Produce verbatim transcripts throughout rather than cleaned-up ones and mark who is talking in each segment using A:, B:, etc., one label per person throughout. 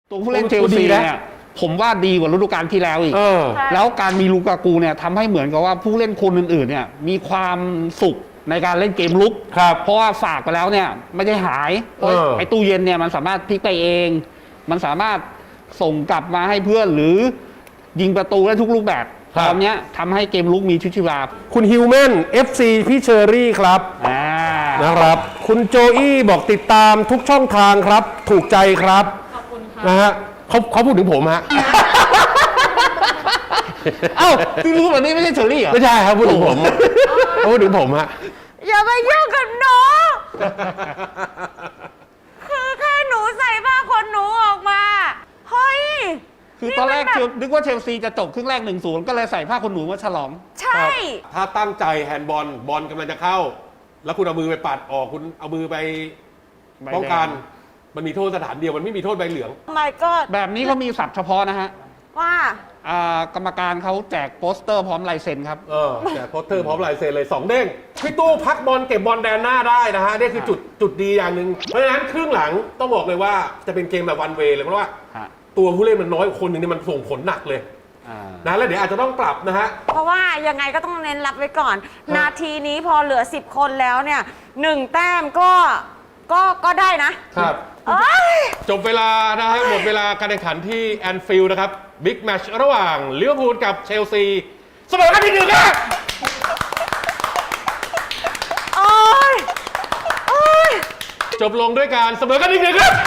A: ตัวผู้เล่นเชลซีเนี่ยผมว่าดีกว่าฤดูกาลที่แล้วอีกแล้วการมีลูกากูเนี่ยทำให้เหมือนกับว่าผู้เล่นคนอื่นๆเนี่ยมีความสุขในการเล่นเกมลุกเพราะว่าฝากไปแล้วเนี่ยไม่ได้หายไอ้ตู้เย็นเนี่ยมันสามารถพลิกไปเองมันสามารถส่งกลับมาให้เพื่อนหรือยิงประตูได้ทุกรูปแบบตอนนี้ทำให้เกมลุกมีชีวิตชีวา
B: คุณฮิวแมน เอฟ ซี พี่เชอรี่ครับนะครับคุณโจอี้บอกติดตามทุกช่องทางครับถูกใจครับขอบคุณครับนะฮะเขาเขาพูดถึงผมฮะ
A: เอ้าที่รู้แบบนี้ไม่ใช่เชอรี่เหรอ
B: ไม่ใช่ครับพูดถึงผมเขาพูดถึงผมฮะ
C: อย่ามายุ่งกับหนูคือแค่หนูใส่ผ้าขนหนูออกมาเฮ้ย
A: คือตอนแรกนึกว่าเชลซีจะจบครึ่งแรก หนึ่งศูนย์ ก็เลยใส่ผ้าขนหนูมาฉลอง
C: ใช่
B: ถ้าตั้งใจแฮนด์บอลบอลกำลังจะเข้าแล้วคุณเอามือไปปัดออกคุณเอามือไปป้องกันมันมีโทษสถานเดียวมันไม่มีโทษใบเหลือง
C: My God
A: แบบนี้เขามีศัพท์เฉพาะนะฮะ
C: ว่
A: ากรรมการเขาแจกโปสเตอร์พร้อมลายเซ็นครับ
B: เออแจกโปสเตอร์พร้อมลายเซ็นเลยสองเด้งพี่ตู้พักบอลเก็บบอลแดนหน้าได้นะฮะนี่คือจุดจุดดีอย่างหนึ่งเพราะฉะนั้นครึ่งหลังต้องบอกเลยว่าจะเป็นเกมแบบวันเวย์เลยเพราะว่าตัวผู้เล่นมันน้อยคนหนึ่งนี่มันส่งผลหนักเลยนะแล้วเดี๋ยวอาจจะต้องปรับนะฮะ
C: เพราะว่ายังไงก็ต้องเน้นรับไว้ก่อนนาทีนี้พอเหลือสิบคนแล้วเนี่ยหนึ่งแต้มก็ก็ก็ได้นะครับ
B: จบเวลานะฮะหมดเวลาการแข่งขันที่แอนฟิลด์นะครับบิ๊กแมตช์ระหว่างลิเวอร์พูลกับเชลซีเสมอกันที่หนึ่งครับ
C: โอ้ยโอ้ย
B: จบลงด้วยการเสมอกันที่หนึ่งครับ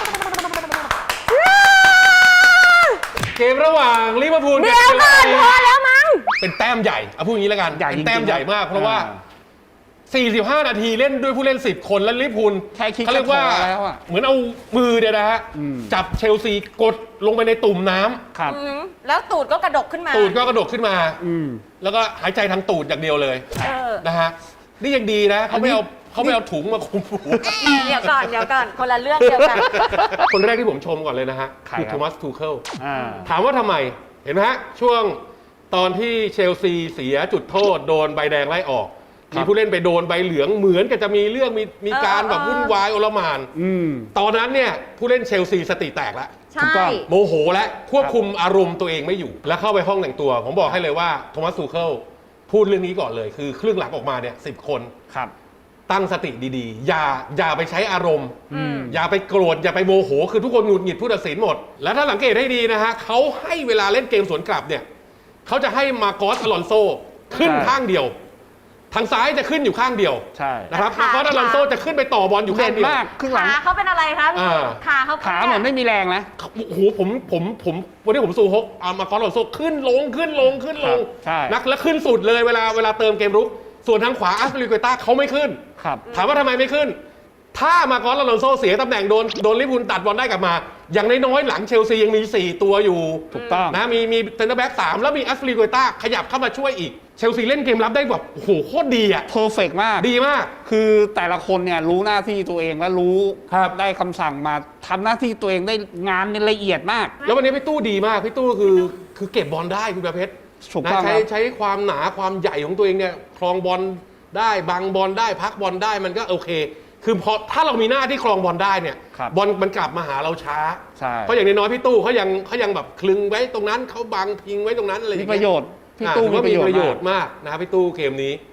B: เกมระหว่างลิเวอร์พูลกับเชลซี
C: พอแล้วมั้ง
B: เป็นแต้มใหญ่เอาพูดอย่างนี้แล้วกันเป็นแต้มใหญ่มากเพราะว่าสี่สิบห้านาทีเล่นด้วยผู้เล่นสิบคนและลิเวอร์พูลเขาเรียกว่าเหมือนเอามือเนี่ยนะฮะจับเชลซีกดลงไปในตุ่มน้
C: ำแล้วตูดก็กระดกขึ้นมา
B: ตูดก็กระดกขึ้นมาแล้วก็หายใจทางตูดอย่างเดียวเลยนะฮะนี่ยังดีนะเขาไม่เอาเขาไม่เอาถุงมาคุมหู
C: เดี๋ยวก่อนเดี๋ยวก่อนคนละเรื่องเดียวกัน
B: คนแรกที่ผมชมก่อนเลยนะฮะคือโทมัสทูเคิลถามว่าทำไมเห็นไหมฮะช่วงตอนที่เชลซีเสียจุดโทษโดนใบแดงไล่ออกมีผู้เล่นไปโดนใบเหลืองเหมือนกับจะมีเรื่องมีมีการแบบวุ่นวายโอลหม่านตอนนั้นเนี่ยผู้เล่นเชลซีสติแตกแล้วโมโหและควบคุมอารมณ์ตัวเองไม่อยู่แล้วเข้าไปห้องแต่งตัวผมบอกให้เลยว่าโทมัสทูเคิลพูดเรื่องนี้ก่อนเลยคือครึ่งหลังออกมาเนี่ยสิบคนตั้งสติดีๆอย่าอย่าไปใช้อารมณ์อย่าไปโกรธอย่าไปโมโหคือทุกคนหงุดหงิดผู้ตัดสินหมดแล้วถ้าสังเกตให้ดีนะฮะเขาให้เวลาเล่นเกมสวนกลับเนี่ยเขาจะให้มาโกสอลอนโซขึ้นข้างเดียวทางซ้ายจะขึ้นอยู่ข้างเดียว
A: ใช่
B: นะครับมาโกสอลอนโซจะขึ้นไปต่อบอลอยู่ข้างเดียว
A: ครึ่งหลัง
C: ขาเขาเป็นอะไรครับขาเขา
A: ขาเหมือนไม่มีแรงนะ
B: โอ้โหผมผมผมวันนี้ผมซูฮกเอามาโกสอลอนโซขึ้นลงขึ้นลงขึ้นลงนักแล้วขึ้นสุดเลยเวลาเวลาเติมเกมรุกส่วนทางขวาอัสเปริเกต้าเขาไม่ขึ้นถามว่าทำไมไม่ขึ้นถ้ามาโกสอลอนโซเสียตำแหน่งโดนโดนลิเวอร์พูลตัดบอลได้กลับมาอย่างน้อยๆหลังเชลซียังมีสี่ตัวอยู่
A: ถูกต้อง
B: นะมีมีเซนเตอร์แบ็กสามแล้วมีอัสเปริเกต้าขยับเข้ามาช่วยอีกเชลซีเล่นเกมรับได้แบบโอ้โหโคตรดีอ่ะ
A: เพอร์เฟกต์มาก
B: ดีมาก
A: คือแต่ละคนเนี่ยรู้หน้าที่ตัวเองและรู้ได้คำสั่งมาทำหน้าที่ตัวเองได้งานละเอียดมาก
B: แล้ววันนี้พี่ตู้ดีมากพี่ตู้คือคือเก็บบอลได้คุณประเพชรใช้ใช้ความหนาความใหญ่ของตัวเองเนี่ยครองบอลได้บังบอลได้พักบอลได้มันก็โอเคคือพอถ้าเรามีหน้าที่ครองบอลได้เนี่ยบอลมันกลับมาหาเราช้าเพราะอย่างน้อยๆพี่ตู้เขายังเขายังแบบคลึงไว้ตรงนั้นเขาบังพิงไว้ตรงนั้นอะไรอย่างเงี้ย
A: มีประโยชน์พี่ตู้
B: มีประโยชน์มากนะครับพี่ตู้เกมนี้